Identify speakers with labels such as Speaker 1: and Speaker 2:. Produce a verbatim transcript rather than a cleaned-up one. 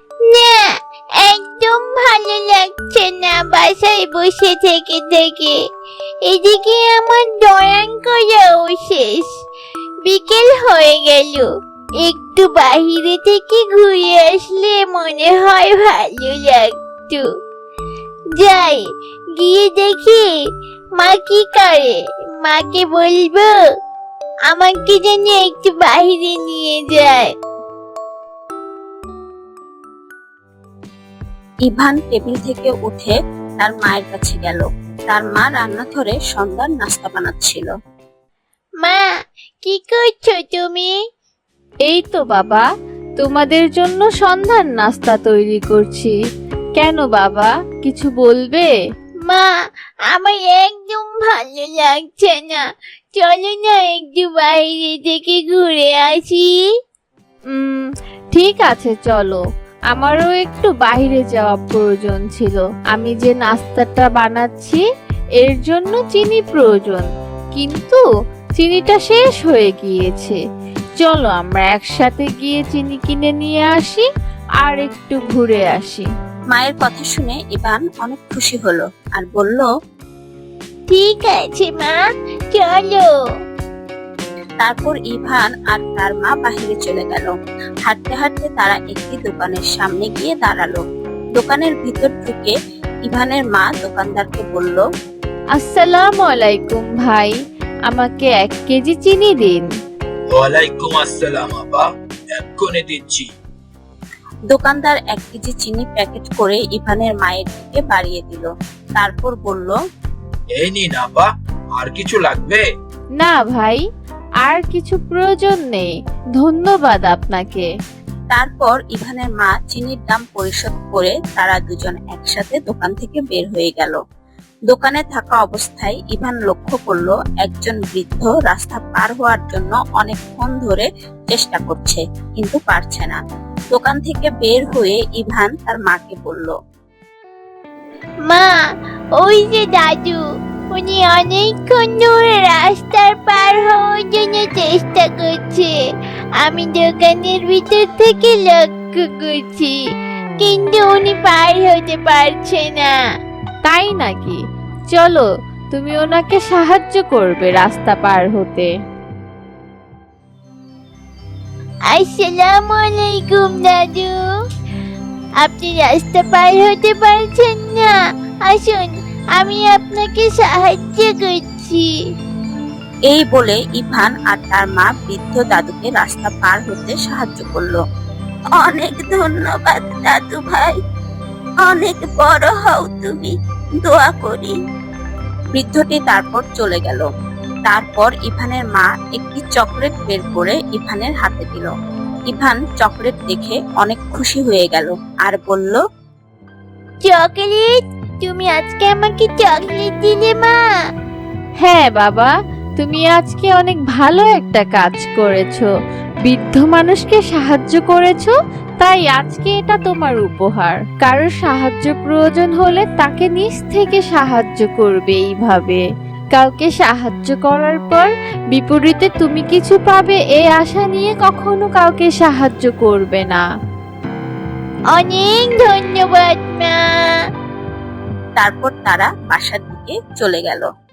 Speaker 1: না, একদম ভালো লাগছে না বাসায় বসে থেকে থেকে। এদিকে আমার দয়ান করাও শেষ, বিকেল হয়ে গেল। একটু বাহিরে থেকে ঘুরে আসলে মনে হয় ভালো লাগতো। যাই, গিয়ে দেখি মা কি করে। মাকে বলবো আমাকে যেন একটু বাহিরে নিয়ে যায়।
Speaker 2: ইভান টেবিল থেকে উঠে তার মায়ের কাছে গেল। তার মা রান্নাঘরে সন্ধ্যার নাস্তা বানাচ্ছিল।
Speaker 1: মা, কি করছো তুমি?
Speaker 3: এই তো বাবা, তোমাদের জন্য সন্ধ্যার নাস্তা তৈরি করছি। কেন বাবা, কিছু বলবে?
Speaker 1: মা, আমার একদম ভালো লাগছে না। চলো না একটু বাইরে থেকে ঘুরে আসি।
Speaker 3: উম ঠিক আছে, চলো। আমারও একটু বাইরে যাওয়া প্রয়োজন ছিল। আমি যে নাস্তাটা বানাচ্ছি এর জন্য চিনি প্রয়োজন, কিন্তু চিনিটা শেষ হয়ে গিয়েছে। চলো আমরা একসাথে গিয়ে চিনি কিনে নিয়ে আসি আর একটু ঘুরে আসি।
Speaker 2: মায়ের কথা শুনে ইভান অনেক খুশি হলো আর বলল,
Speaker 1: ঠিক আছে মা, চলো।
Speaker 2: তারপর ইভান আর তার মা বাহিরে চলে গেল। হাঁটতে হাঁটতে তারা একটি দোকানের সামনে গিয়ে দাঁড়ালো। দোকানের ভিতর ঢুকে ইভানের মা দোকানদারকে বলল,
Speaker 3: আসসালামু আলাইকুম ভাই, আমাকে এক কেজি চিনি দিন।
Speaker 4: ওয়ালাইকুম আসসালাম আপা, এক্ষুনি দিচ্ছি।
Speaker 2: দোকানদার এক কেজি চিনি প্যাকেট করে ইভানের মায়ের দিকে বাড়িয়ে দিল। তারপর বলল,
Speaker 4: এই নিন আপা, আর কিছু লাগবে?
Speaker 3: না ভাই, আর কিছু প্রয়োজন নেই, ধন্যবাদ আপনাকে।
Speaker 2: তারপর ইভানের মা চিনির দাম পরিশোধ করে তারা দুজন একসাথে দোকান থেকে বের হয়ে গেল। দোকানে থাকা অবস্থায় ইভান লক্ষ্য করলো একজন বৃদ্ধ রাস্তা পার হওয়ার জন্য অনেকক্ষণ ধরে চেষ্টা করছে, কিন্তু পারছে না। দোকান থেকে বের হয়ে ইভান তার মাকে বলল,
Speaker 1: মা, ওই যে দাদু, উনি অনেকক্ষণ ধরে রাস্তার পার হওয়ার জন্য চেষ্টা করছে। আমি দোকানের ভিতর থেকে লক্ষ্য করছি, কিন্তু উনি পার হতে পারছে না।
Speaker 3: তাই নাকি? চলো, তুমি ওনাকে সাহায্য করবে রাস্তা পার হতে।
Speaker 1: আসসালামু আলাইকুম দাদু, আপনি রাস্তা পার হতে পারছেন না? আসুন, আমি আপনাকে সাহায্য করছি।
Speaker 2: এই বলে ইভান আর তার মা বৃদ্ধ দাদুকে রাস্তা পার হতে সাহায্য করলো। অনেক ধন্যবাদ দাদু ভাই, অনেক বড় হও তুমি, দোয়া করি। বৃদ্ধটি তারপর চলে গেল। তারপর ইভানের মা একটি চকলেট বের করে ইভানের হাতে দিল। ইভান চকলেট দেখে অনেক খুশি হয়ে গেল আর বলল,
Speaker 1: চকলেট? তুমি আজকে আমাকে চকলেট দিলে মা?
Speaker 3: হ্যাঁ বাবা, তুমি আজকে অনেক ভালো একটা কাজ করেছো, বৃদ্ধ মানুষকে সাহায্য করেছো, তাই আজকে এটা তোমার উপহার। কারোর সাহায্য প্রয়োজন হলে তাকে নিজ থেকে সাহায্য করবে। এইভাবে কাউকে সাহায্য করার পর বিপরীতে তুমি কিছু পাবে এই আশা নিয়ে কখনো কাউকে সাহায্য করবে না।
Speaker 1: অনেক ধন্যবাদ মা।
Speaker 2: তারপর তারা বাসার দিকে চলে গেল।